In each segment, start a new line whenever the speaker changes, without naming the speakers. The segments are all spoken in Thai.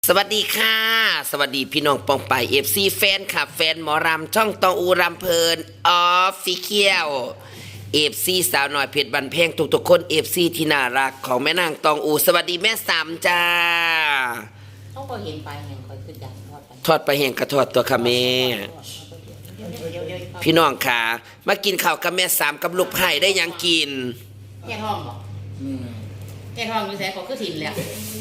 สวัสดีค่ะสวัสดีพี่น้องปองไปเอฟซีแฟนคลับแฟนหมอรำช่องตองอูรำเพลินออฟฟิเชียลเอฟซีสาวหน่อยเพชรบันเพงทุกๆคนเอฟซีที่น่ารักของแม่นางตองอูสวัสดีแม่สามจ้า
ต้องก็เห็นไปเห็นคอยขึ้นอย่าง
ทอดไปแห้งกระทอดตัวค่ะแม่พี่น้องค่ะมากินข้าวกับแม่สามกับลูกไผ่ได้ยังกิน
แย่ท้องหรอแย่ท้องอยู่แสนเขาคือถิ่นเลย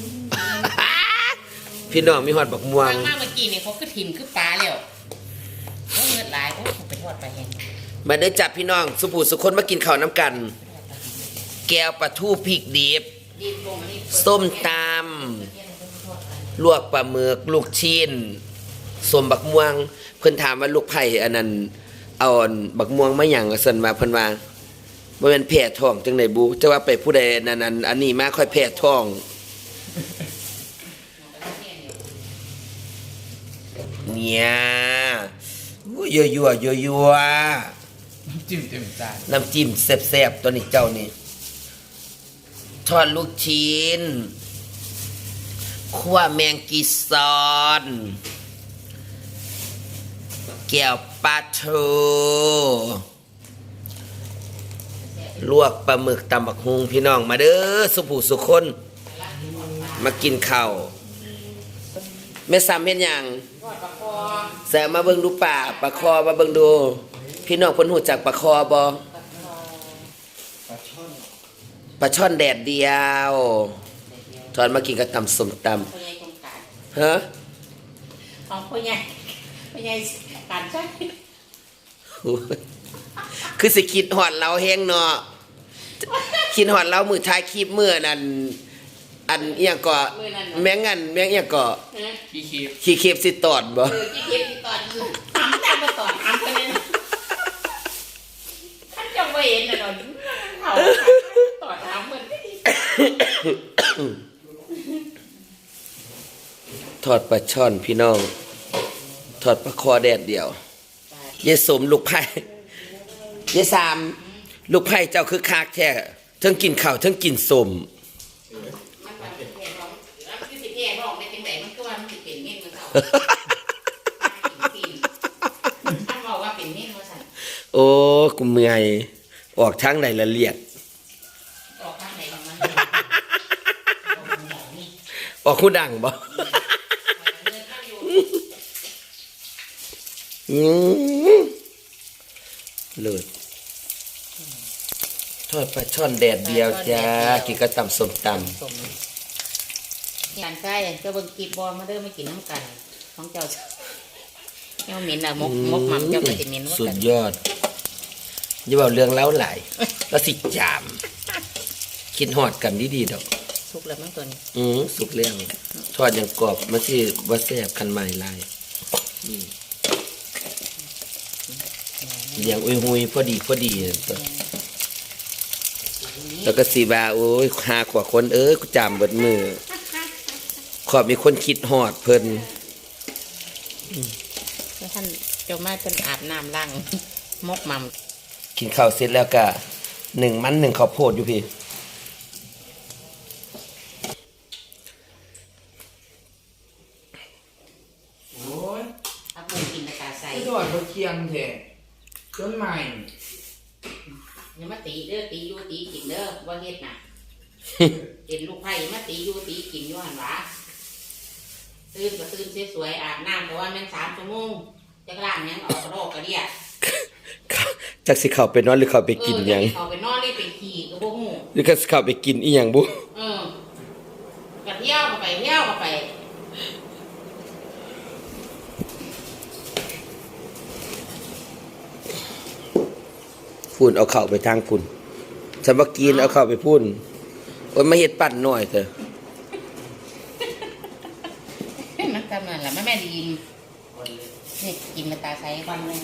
พี่น้องมีหอดบักม่วง
มากเมื่อกี้เนี่ยเขาคือถิ่นคือปลาแล้วเขาเงือดหลายเขาไปทอดไปแห้ง
มาได้จับพี่น้องสุภูสุคนมากินข้าวน้ำกันแก้วปลาทูพริกดิบส้มตำลวกปลาหมึกลูกชิ้นสมบักม่วงเพิ่นถามว่าลูกไผ่อันนั้นเอาบักม่วงมาหยังส่วนมาเพิ่นว่าบ่แม่นแพ้ท้องจังได๋บุจะว่าไปผู้ใดนั้นอันนี้มาค่อยแพ้ท้องเนี่ยยั่ว
น้ำจิ้มเต็มจาน
น้ำจิ้มแซ่บๆตัวนี้เจ้านี่ทอดลูกชิ้นคั่วแมงกีซอนแก้วปลาทูลวกปลาหมึกตำบักฮุงพี่น้องมาเด้อสุผู้สุคนมากินข้าวแม่ซ้ำเห็นยังแซมมาเบิ่งดูป่าปลาคอมาเบิ่งดูพี่น้องเพิ่นฮู้จักปลาคอบ่ปลาช่อนแดดเดียวทอดมากินกับตำส้มตำฮะ
ของพ่อใหญ่การใช้
คือสิคิดฮอดเราแฮงเนาะคิดฮอดเรามือท้ายคลิปมื้อนั้นอันเอียงก็แมงเอียงก็ขี้เคบสิตอดบ่
ขี้เคบสิตอดถามแต่บ่ตอดถามไปเลยท่านจะบ่เห็นน่ะดอกเขาตอดถามเหมือน
ทอดปลาช่อนพี่น้องทอดปลาคอแดดเดียวยายสมลูกไผ่ยายสามลูกไผ่เจ้าคือคักแท้ทั้งกินข้าวทั้งกินสมโอ้กูเมื่อยออกทางไหนละเลียด
ออกทางไหนของมัน
ออกคู่ดังบ่เลิศทอดปลาช่อนแดดเดียวจ้ากินกระตำส้มตำ
งานใช่ก็เบิ่งกีบบอลมาเด้อไม่กินน้ำกันของเจ้าเจ้าเหม็นอะมกหม่ำเจ้าก็จะเหม็น
สุดยอดอย่าบอกเรื่องเล้าไหลแล้วสิจามคิดหอดกันดีๆดอก
สุกแล้วมั้งตัวนี้
สุกเรื่องทอดอย่างกรอบมาที่วัดแซ่บคันใหม่ลายอย่างอุยพอดีแล้วก็สีบาโอ้ยหากว่าคนกูจามเบิดมือขอบมีคนคิดหอดเพิ่น
ท่านเจ้ามาเป็นอาบน้ำล้างมกหม่
ำกินข้าวเสร็จแล้วก็1 มัน1ข้าวโพดอยู่พี่
โอ้ย
อาปูกินในกาใส่
ทอดเขาเคียงแท้ต้นใหม่
อย่ามาตีเด้อตีอยู่ตีกินเด้อว่าเฮ็ดน่ะเห็นลูกไผ่มาตีอยู่ตีกินอยู่หันหวะตื่นก็ตื่นสวยๆอาบน้ำเพราะว่ามัน3 ชั่วโมงจะล้างยังออกโรคกระเดีย
จักสิเข้าไปนอนหรือเข้าไปกินหยัง
เข้าไปนอนนี่เป็นขี้ก็บ่ฮู้
หรือก็เข้าไปกินอีหยังบ่
กระเที่ยวก็ไป
ฝุ่นเอาเข้าไปทางฝุ่นฉันว่ากินเอาเข้าไปพุ่นโอ้ยมาเฮ็ดปั่นหน่อยเถอะ
มันทำนั่นแหละแม่ดีนี่กินมาตาใสฟันเลย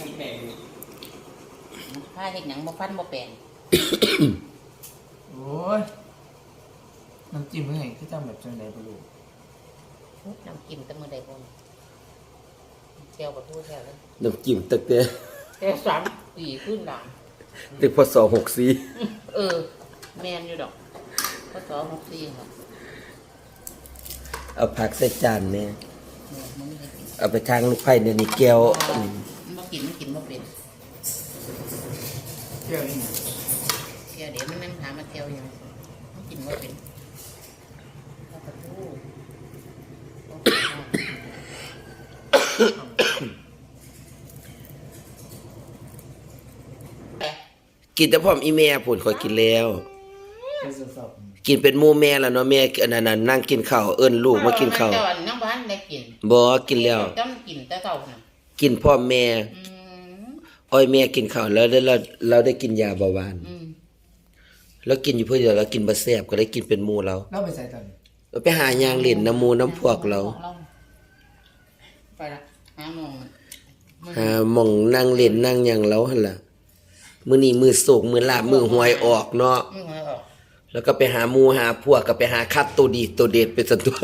ผ้าเห็ดหนังบ่ฟันบ่แปลง
โอ้ยน้ำจิ้มเมื่อไงคือจำแบบจังไดบ่รู้
น้ำจิ้มแต่มื้อใดบ่เจียวกับทู่แท้เลย
น้ำจิ้มตึกเด้
แต่3 ปีขึ้นหลัง
ตึกพศ64
แม่นอยู่ดอกพศ64ค่ะ
เอาผักใส่จานเนี่ย
มันไม่ได้กิน
เอาไปทางลูกไผ่เนี่ยนี่แก้ว
มันบ่กินบ่เป็น
เที่ยวนี่ไง
เที่ยวเดี๋ยวมันนั่งถามมาเที่ยวยังมันกินบ่เป็นข้าวปลาทู
กินแต่พร้อมอีแม่พุ่นข่อยกินแล้ว
เที่ยวสอบ
กินเป็นหมู่แม่แล้วเนาะแม่อันนั้นนะนั่งกินข้าวเอิ้นลูกมากินข้าว
เจ้าน้องบ้านได้กิน
บ่กินแล้ว
ต้องกินแต่เก่าน่ะ
กินพร้อมแม่
อืม
อ้อยแม่กินข้าวแล้วเราได้กินยาเบาหวาน
อืม
แล้วกินอยู่เพื่อเดียวเรากินบ่แซ่บก็เลยกินเป็นหมู่เรา
แล้วไปใส่ตอนนี้
เราไปหายางเล่นน้ำหมู่น้ำพวกเรา
ไปละหาโมง
หาหม่องนั่งเล่นนั่งหยังเราหั่นล่ะมื้อนี้มื้อโศกมื้อลาบมื้อหวยออกเนาะ
มึงเอาออก
แล้วก็ไปหาหมู่หาพวกก็ไปหาคัดตัวดีตัวเด็ดเป็นสันตัว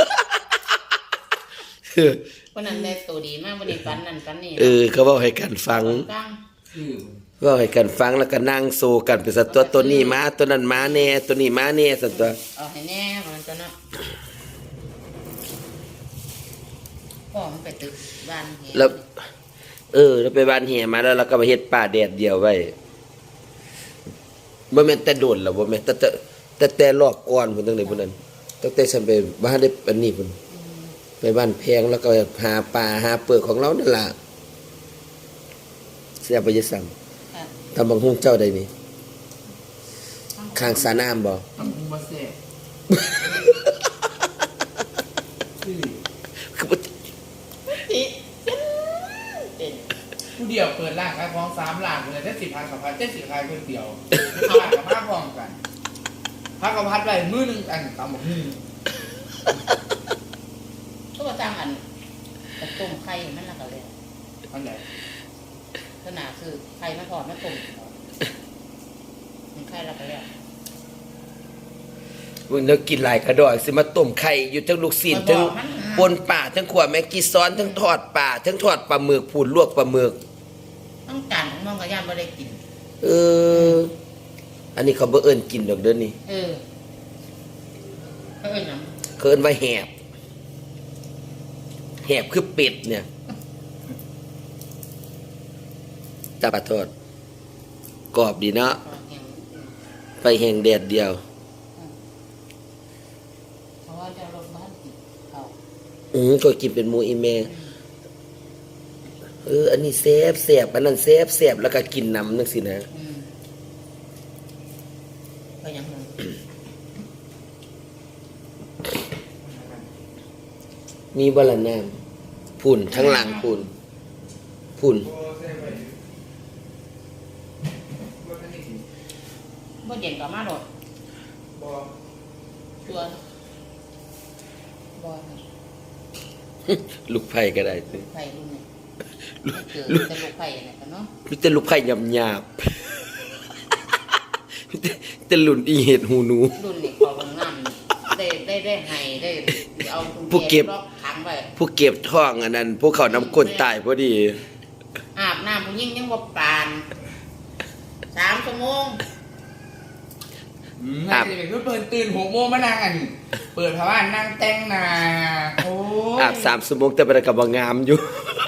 วันนั้นได้ตัวดีมากวันนี้ปันนั่นปันนี่
เขาเว้าให้กันฟัง
ฟัง
คือ
เว้าให้กันฟังแล้วก็นั่งโซกันเป็นสันตัวตัวนี้มาตัวนั้นมาแน่ตัวนี้มาแน่สันตัว
เอาให้แน่มันจะเนาะพ่อมันไปตึกบ้านเห็น
แล้วแล้วไปบ้านเฮียมาแล้วเราก็มาเฮ็ดป่าแดดเดียวไว้บ่แม่นแต่โดนแล้วบ่แม่นแต่รอบก่อนพุ่นตั้งแต่พุ่นนั้นตั้งแต่ฉันไปบ้านได้อันนี้พุ่นไปบ้านแพงแล้วก็หาปลาหาเปลือกของเรานั่นล่ะเสียไปจะสั่ง
ค่ะ
ทำบังฮุงเจ้าได้นี่ข้างสระน้ำบ่
ต้องคุมมาเซ่คือ
คือบ่
ติเป็น
ผู้เดียวเปิดร้านขายของ3ร้านเลยได้10,000กับ1,000ได้10ขายคนเดียวร้านกับผ้าพร้อมกันผ้ากับพัดไปมื้อนึงอันตำบักหุ่ง
ก็มาจ้างอันกระต้มไข่มันละก็เลย
อันไหน
ขนาดคือไข่มาทอดมาต้มมันไข่ละก็แล้ว
มึงนึกกินหลายกระดอกสิมาต้มไข่อยู่ทั้งลูกศิษย์ทั้งปนป่าทั้งขวแมงกีซ้อนทั้งทอดป่าทั้งทอดปลาหมึกพูนลวกปลาหมึก
ต้องการของน้องกับย่าไม่ได้กิน
อันนี้เขาบ่เอิ้นกินดอกเด้อนี่
เออเขาเอ้ยน้
เขาเอิ้นว่าแหบคือเป็ดเนี่ยจับปลาทอดกรอบดีเนาะ
ำ
ไปแห้งแดดเดียว
เพราะว่าจะลงบ้านกินเขา
ก็กินเป็นหมูอีแม่อันนี้แซ่บอันนั้นแซ่บแล้วก็กินน้ำนึกสินะ
ก็ยังไง
มีบ่ละน้ำพุ่นทั้งหลังพุ่น
บ่เย็นก็มาโดด
บ่
ตัวบ่
ลูกไผ่ก็ได้สิ
ไผ่รุ่นนี้ไม่เกิดแต่ลูกไผ่เนี่ยกันเนาะ
มีแต่ลูกไผ่หยาบมีแต่หลุ่นอีเห็ดหูหนู
รุ่นนี้เขาลงน้ำได้ให้ได้เอาล็อกขังไว้
ผู้เก็บท้องอันนั้นพวกเขานำก้นตายพอดี
อาบน้ำผู้หญิงยังบ่ปาน3 ชั่วโมง
น่าจะเป็นเปิดตื่น6 โมงมานั่งอันเปิดผ้าบ้านนั่งแต่งหน้าโอ้
อาบ3 ชั่วโมงแต่บ่ได้ก็บ่งามอยู่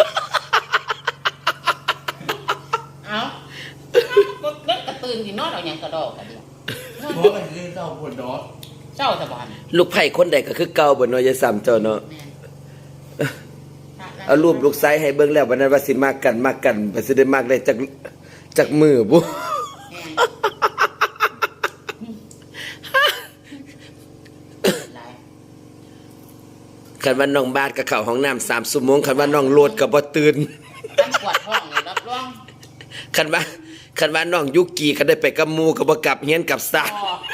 เอาก็กระตื่นกินนอนเอาอย่างกระดอกกันเดียว
โหกันคือเจ้าปวดดอก
เจ้าสะบาน
ลูกไผ่คนใดก็คือเก่าบ่เนาะอย่าซ้ำเจ้าเนาะ
แม่น
เอารูปลูกไซให้เบิ่งแล้ววันนั้นว่าสิมากกันบ่สิได้มากได้จากมือบ่
แม่นหลาย
คันว่าน้องบาดก็เข้าห้องน้ำ3 ชั่วโมงคันว่าน้องโลดก็บ่ตื่น
ท่านปวดท้องนี่รับรอง
คันว่าน้องยุกีก็ได้ไปกับหมู่ก็บ่กลับเฮียนกลับซ่าน
พอ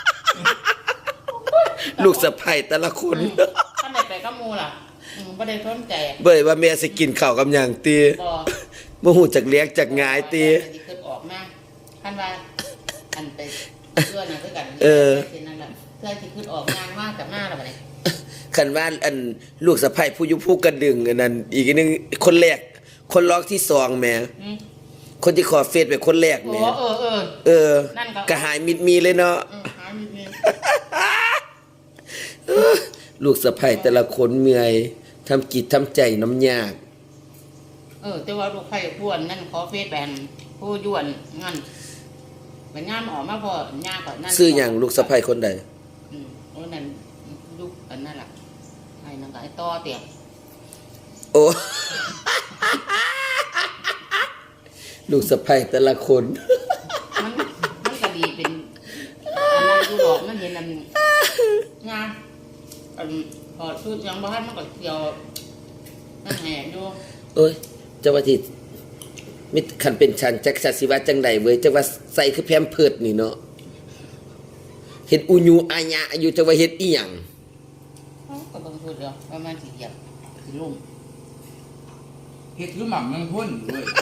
ลูกสะใภ้แต่ละคน
ท่านไหนไปกับหมูล่ะบ่ได้สนใจ
เบิ่ว่าแม่สิกินข้าวกับหยังติ
บ่
บ่ฮู้จักเลี้ยงจักหงายติ
สิขึ้นออกมาท่านว่าอันไปเพื่อนน่ะคือกันสินั่นล่ะเพื่อนสิขึ้นออกงานมากับมาแล้วบัดนี้
คันว่าอันลูกสะใภ้ผู้อยู่ผู้กระดึงอันนั้นอีกอันหนึงคนแรกคนร้องที่2แหม่
อืม
คนที่ขอเฟซเป็นคนแรก
โอ้
แหม่
นั่นก็
ก็หายมิดมีเลยเนาะ
หามี
ลลูกสะใภ้แต่ละคนเมื่อยทำกิจทำใจน้ำยาก
แต่ว่าลูกไผ่พวนนั่นขอเฟซแบนผู้ยวนงั้นเป็นงานออกมาพอย่างก่อนนั่น
ซื้ออย่างลูกสะใภ้คนใด
โอ้นั่นลูกอันนั่นแหละไอ้นั่นก็ไอ้ต่อเตี่ย
โอ้ ลูกสะใภ้แต่ละคน
มันก็ดีเป็นอันนั้นอยู่ดอกมันเห็นอันงานพอชุดยังบ้านมันก็เกี่ยวนั่นแหงอยู่
โอ้ยเจ้าว่าที่มิคันเป็นฉันจักสิว่าจังใดเว้ยจักว่าใส่คือแพมเพิร์ดนี่เนาะเฮ็ดอุญูอาญะอยู่จักว่าเฮ็ดอีหยัง
ก็ต้องพูดเดียวประมาณสี่เหยียบสี่ลุ่ม
เฮ็ดคือหม่ำเมืองพ้นเว้ย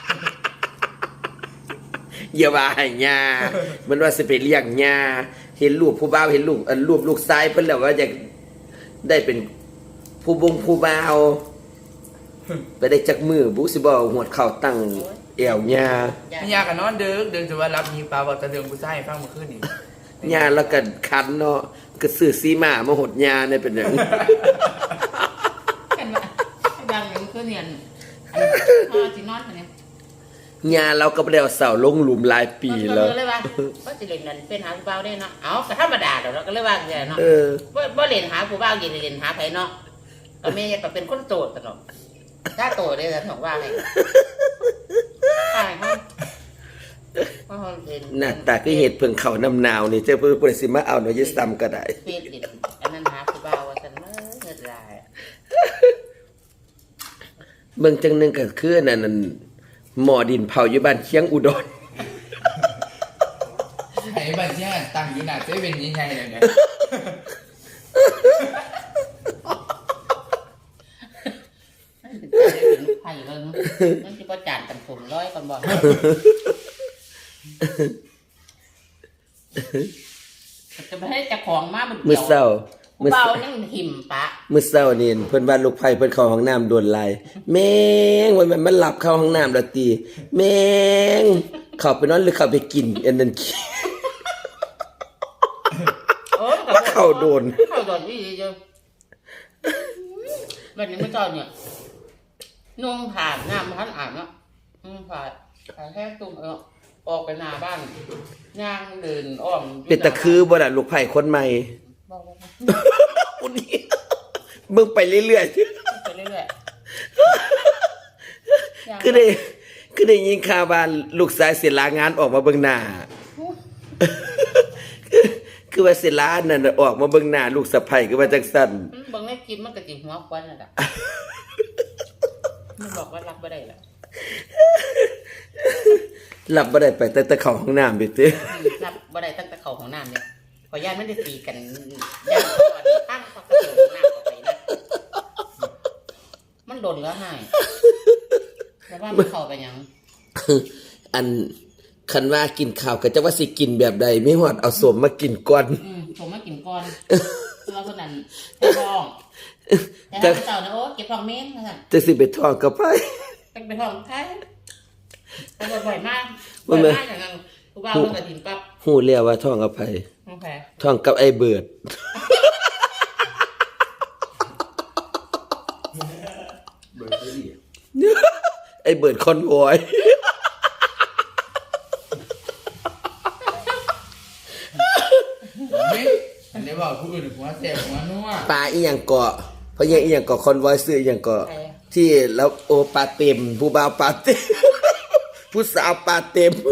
อย่าว่าให้ญามันว่าสิไปเลี้ยงญาเห็นรูปผู้บ่าวเห็นรูปรูปลูกชายเพิ่นแล้วว่าอยากได้เป็นผู้บงผู้บ่าวไปได้จักมือบุสิบ่หวดเข่าตั้งแอวญา
ไม่ยากกันนอนเดินจะว่ารับมีปลาบอกจะเดินผู้ชายฟังเมื่อคืนนี่
ญาแล้วก็คันเนาะก็ซื้อซีมามาหดญาเนี่ยเป็นหยัง
กันว่าดังอย่างคือเนี่ยพ่อจีนอนอันนี้
ญาเราก็บ่ได้เอาเสาลงหลุมหลายปีแล้ว
ก็เลยว่าก็จะเล่นนั่นเป็นหาผู้บ่าวได้เนาะเอาก็ธรรมดาเดี๋ยวเราก็เลยว่าอย่างเนาะ
เออ
บ่เล่นหาผู้บ่าวยินเล่นหาไผเนาะก็แม่ก็เป็นคนโสดตลอดถ้าโตได้แล้วบอกว่าไงใช่ครับเพราะเขาเห็น
หน้าตาคือเห็ดเพิ่งเข้าน้ำหนาวนี่เจ้าเพิ่นบ่ได้สิมาเอาเนาะยิซ้ำก็ได้
เฟซดิอันนั้นหาผู้บ่าวว่าซั่นเงินลาย
เบิ่งจังหนึงก็คือนั่นหม้อดินเผาอยู่บ้านเชียงอุดร
ไอ้บัญชีตั้งอยู่หน้าเซเว่นยังไงเนี่ย
เป็นไผ่เลยนั่นที่ประจานกันผมร้อยก่อนบอกจะไปให้เจ้าของมามัน
มื้อเช้า
ผู้เบานั่งหิมปะ
มื้อเช้านี่เพิ่นว่าลูกไผเพิ่นเข้าห้องน้ำโดนลายแม่งว่ามันหลับเข้าห้องน้ำแล้วติแม่งเข้าไปนอนหรือเข้าไปกินอันนั้นขี้ เข้าโดน
เข้าโดนนี่เจ้าวันนี้เมื่อเจ้าเนี่ยนุ่งผ่านน้ำพันอ่านเนาะนุ่งผ่านแค่ตุ้มออกไปหน้าบ้านย่างเดินอ้อม
เป็นตะคือบ่ล่ะลูกไผคนใหม่ คนนี้มึงไปเรื่อย
ไปเรื่อยๆ
ๆคือได้ยินข่าวว่าลูกชายเสียลางานออกมาเบิ่งหน้า คือว่าเสียลานั่นน่ะออกมาเบิ่งหน้าลูกสะใภ้คือว่าจังซั่น
บางแม่กินมันก็จิหัวควันน่ะล่ะมันบอกว่ารับบ่ได้ล่ะ
หลับบ่ได้ไปแต่เข้าห้องน้ำไปติ
รับบ่ได้ตั้งแต่เข้าของน้ำเนี่ยขอญาตมันได้ตีกันย่างก่อนตั้งพอกระโดดน้ำออกไปนะมันโดนแล้วให้แต่ว่ามันเข้าไปยัง
อันคันว่ากินข้าวก็จะว่าสิกินแบบใดไม่ฮอดเอาสมมากินก่อน
ผมมากินก่อนเราคนนั้นไปท้องแต่ถ้าเจ้านะโอ้เก็บท้องเม้นนะสั่น
จะสิไปท้องกับไผ
เป็นไปท้องใครแต่บ่อยมากอย่างนั้นผู้บ่าวมันก็ถิ่นปั๊บ
ฮู้แล้วว่าท้องกับไผ
โอเค
ท้องกับไอ้เบิด ไอ้เบิดคอนวอย
อันนี้บอกผู้อื่นหัวเสียหัวนัว
ปลาอีหยังเกาะเพราะยังอีหยังเกาะคอนวอยซื้ออีหยังเกาะที่แล้วโอปลาเต็มผู้บ่าวปลาเต็ม ผู้สาวปลาเต็ม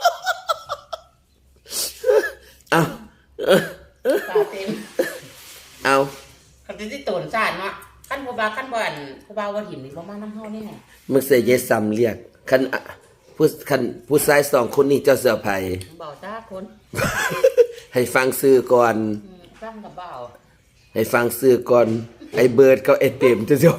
เอา
ตาเต็ม
เอา
คันที่โตนซ่านเนาะขั้นผู้บ่าวขั้นบ่อนผู้บ่าวว่าหิมนี่บ่มาน้ำเฮานี่แหละ
มึงเสียเยซ้ำเรียกคันผู้ชายสองคนนี้เจ้าเสือไผ่
บ่าวจ้าคน
ให้ฟังซื้อก่อน
ฟังกับบ่าว
ให้ฟังซื้อก่อน ไอ้เบิร์ดกับไอ้เต็มจะจบ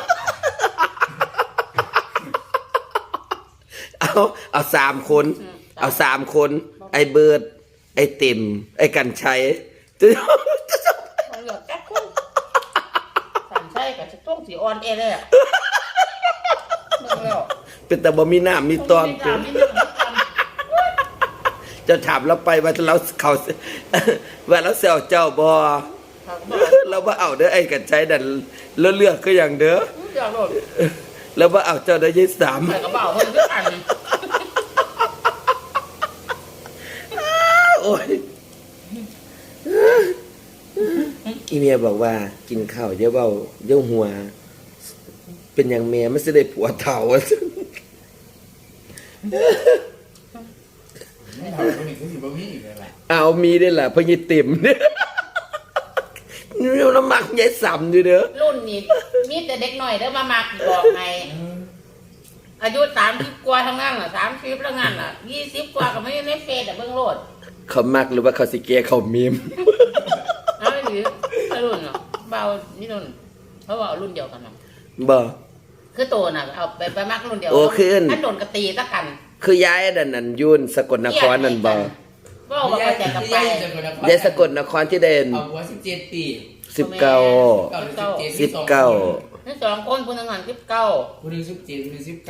เอา3 คน เอา3 คน ไอ้เบิร์ดไอ้เต็ม ไอ้กันชัยจะจบ
บ่เหลือแค่คนสั่นใช่ก็จะต้องสิออนเลยอ่ะเบิ่งแล้ว
เป็นแต่บ่มีน้ำมีตอน
มีน้ำมีน้ำ
จะถามเราไปว่าเราเขา ว่าเราเซลเจ้าบ่
ครับบ่
เแล้วว่าเอาเด้อไอ้กันใจดันแล้วเลือกก็อย่างเด้อ
เดี๋ยวโดด
แล้วว่าเอาเจ้าได้ยี่สาม
ใส่กระเป๋าเพิ่นทุกอัน
โอ้ยอีเมียบอกว่ากินข้าวเยอะเบาเยอะหัว เป็นอย่างเมียไม่ใช่ได้ผัวเถ่า
ไม่ทำคนอื่นก็สิบ่มีอีกเลยแหละ
เอามีได้ล่ะเพราะยี่ติ่มเนี่ยนี่น้ำหมักยายสำอยู่เด้อ
รุ่นนี้มีแต่เด็กหน่อยเด้อมามักบอกไงอายุ30กว่าทั้งนั้นน่ะ30แล้วงั้นน่ะ20กว่าก็ไม่ได้ในเฟซเบิ่งโลด
เขามักหรือว่าเขาสิเกเขามีม
เอาไม่ถือรุ่นเนาะเบานี่รุ่นเพราะว่ารุ่นเดียวกันเนาะ
บ่
คือโตน่ะเอาไปมักรุ่นเดียว
โอ้ขึ้น
ถ้าโดนกระตีตะกัน
คือย้ายดันนันยุ่นสกลนครนั่นบ่
บ่ว่าไปแต่กับไป
ยายสกลนครที่เด่น
เอาหัว17 ปี
19
19
19
นี่2คนผู้หนึงหัน19
คนหนึง17คนหนึง19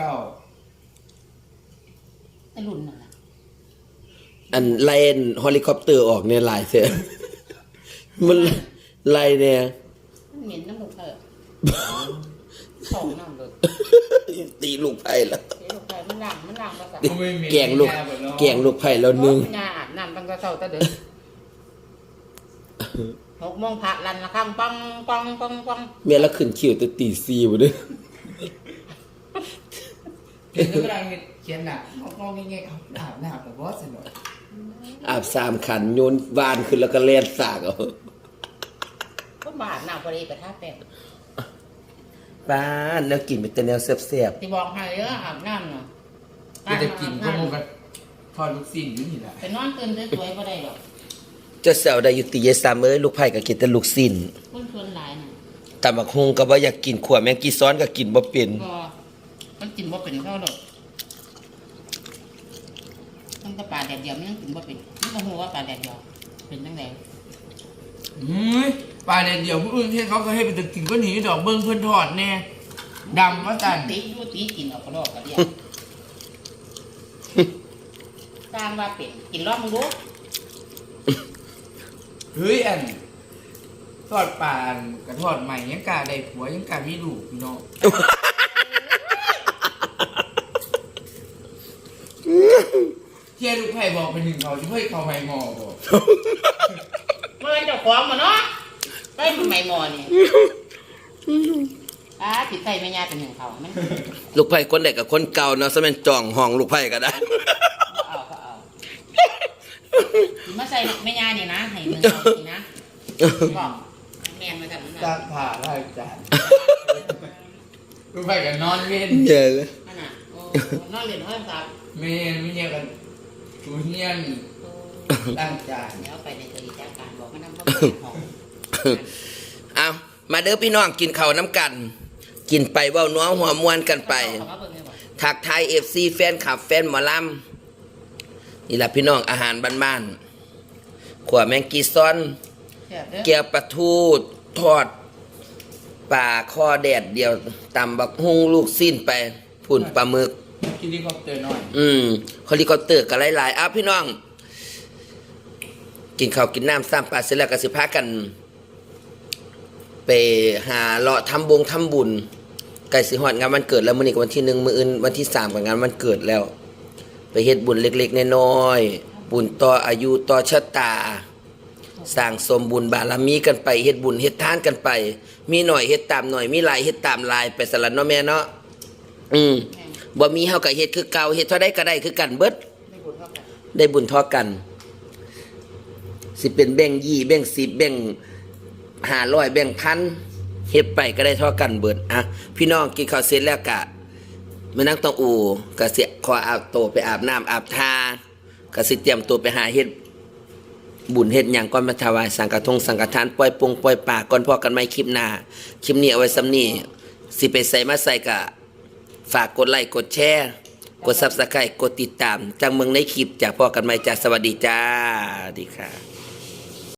ไอ้รุ่นนั่นน่ะ
อันไล่เฮลิคอปเตอร์ออกเนี่ยหลายเสีย มันไล่เนี่ย
มันเหม็นน้ำมูกเถอะของน้ำเลย
ตีลูกไผ่แล้ว
เดี๋ยวลูกไปมันล้างภาษา
แกงลูกไผ่แล้วนึง
งาอาบน้ำตั้งแต่เช้าแต่เด้อ6 โมงพระลันละครั้งปังปังปังปัง
แม่ละขึ้นคิวแต่ตี4บ่เด้อ
เห็นแล้วก็ได้เขียนหนักมองง่ายๆเอาหนาแต่ว่าสนุก
อาบ3ขันโยนวานขึ้นแล้วก็แล่นสากเอา
ก็มาอาบน้ำพอดีไปท่าแป้ง
บ้านแล้วกินเป็นแต่แนวแซ่บ
ที่บอกให้เด้ออาบน้ำเนาะ
ก็จะกินก็มงกันทอดลูกชิ้นอยู่นี่แหละ
ไปนอนตื่นสวยๆบ่ได้หรอก
ๆเจะแซวได้อยู่ติยายซ้ำเอ้ยลูกไผ่ก็กินแต่ลูกสิ้น
คนชวนหลายน่ะ
ตำบักฮุงก็บ่อยากกินขัวแมงกีซ้อนก็กินบ่เป็น
ก็มันกินบ่เป็นเท่าหรอกตั้งแต่ปลาแดดเดียวมันยังกินบ่เป็นมันก็ฮู้ว่าปลาแดดเดียวเป็นจังได๋
ปลาแดดเดียวผู้อื่นที่เขาก็ให้ไปตึกกินก็หนีดอกเบิ้งเพื่อนทอดแน่ดำว่าจัน
ตีอยู่ตีกินเอากระดอกกระเดียสร้างว่าเป็นกินรอบมึงดู
เฮ้ยอันทอดปลาอันกระทอดใหม่ยังกาได้ผัวยังกามีลูกพี่น้องเที่ยลูกไผ่บอกไปหนึ่งเขาช่วยเขาไผ่งอบอก
มันเป็นเจ้าของบ่เนาะได้มันไม่หมอนี่สิใส่แม่ย่าเป็นหนึ่งเขามัน
ลูกไผ่คนเด็กกับคนเก่าเนาะซะแม่นจ่องห้องลูกไผ่ก็ได้
เอามาใส่แม่ย่านี่นะให้หนึ่งเขานี่นะบอกแม่นมาจากนั้น
จ้า
นะ
ผ่าได้จ้าลูกไผ่กันนอนเว้น
เยอะเลย
นั่นน่ะโอ้นอนเรียนห้องสาม
เมนไม่เนี่ยกันตูเนียนล้างจาน
เดี๋ยวไปในตัวอีจากการบอกมันนำเข้าไปห้อง
เอามาเด้อพี่น้องกินข้าวน้ำกัน กินไปเว้าน้องหัวมวนกันไป
เขามาเบิ่งให้บอก
ทักทาย FC แฟนคลับแฟนหมอลำนี่ล่ะพี่น้องอาหารบ้านๆขัวแมงกีซ้อน
เสียบเด้อ
แก้วปลาทูทอดปลาคอแดดเดียวตำบักฮุงลูกสิ้นไปพุ่นปลาหมึก
คิดดีเขาเตือนหน่อย
เฮลิคอปเตอร์กันหลายๆอ้าวพี่น้อง กินข้าวกินน้ำซ้ำปลาเสร็จแล้วก็สิพากัน ไปหาเลาะทำบุญใกล้สิฮอดงานวันเกิดแล้วมื้อนี้ก็วันที่1มื้ออื่นวันที่3ก็งานวันเกิดแล้ว ไปเฮ็ดบุญเล็กๆน้อยๆบุญต่ออายุต่อชะตา สร้างสมบุญบารมีกันไปเฮ็ดบุญเฮ็ดทานกันไป มีหน่อยเฮ็ดตามหน่อยมีหลายเฮ็ดตามหลายไปสลัดเนาะแม่เนาะบ่มีเฮาก็เฮ็ดคือเก่าเฮ็ดเท่าใดก็ได้คือกันเบิด
ไม่บุญเท่ากัน
ได้บุญเท่ากัน สิเป็นแบ่ง20แบ่ง10แบ่ง500แบ่งพันเฮ็ดไปก็ได้เท่ากันเบิดอ่ะพี่น้องกินข้าวเสร็จแล้วก็มานั่งต้องอูก็สิขออาบโตวไปอาบน้ำอาบทาก็สิเตรียมตัวไปหาเฮ็ดบุญเฮ็ดหยังก่อนมาถวายสังฆทานปล่อยปงปล่อยป่าก่อนพอกันใหม่คลิปหน้าคลิปนี้เอาไว้ซ้ำนี้สิไปใส่มาใส่ก็ฝากกดไลค์กดแชร์กด Subscribe กดติดตามจังเมืองในคลิปจากพอกันใหม่จ้าสวัสดีจ้าสวัสดีค่ะ